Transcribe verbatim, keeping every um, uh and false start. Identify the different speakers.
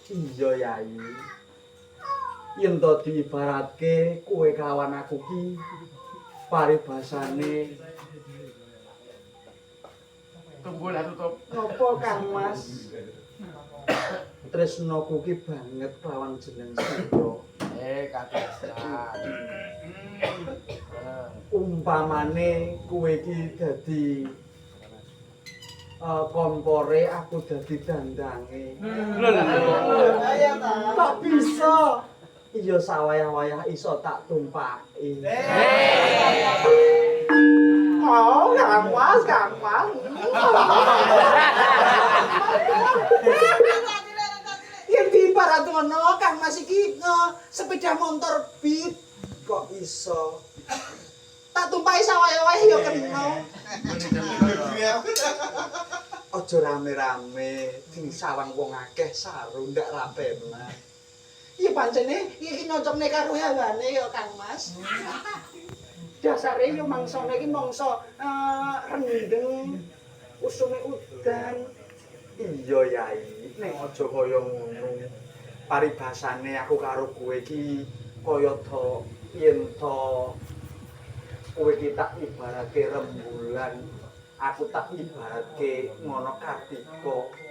Speaker 1: Iya Yai. Yen to diibaratke kowe kawan aku ki paribasane
Speaker 2: Tunggu lah tutup.
Speaker 1: ngopo Kang Mas? Tresnoku ki banget lawan jeneng Sindro.
Speaker 2: Eh, kabisan.
Speaker 1: Umpamane kowe ki dadi uh, kompore, aku dadi dandange.
Speaker 2: Lho lho lho.
Speaker 1: Tak bisa. Iya sawayah-wayah iso tak tumpaki. Oh, Kang Mas, Kang Mas. Yen diibarat ngono, Kang Mas iki uh, sepeda motor beat kok iso. Tak tumpaki sawayah-wayah ya kena. Aja rame-rame, sing sawang wong akeh saru ndak rapenan. Iya pancene iki nyocokne karo hawane ya Kang Mas. Dasare yo mangsane iki mangsa uh, rendeng, usume udan. Iya Yai, ning aja kaya ngono. Paribasane aku karo kowe iki kaya to yen to kowe ki tak ibaratke rembulan, aku tak ibaratke ngono Kartika.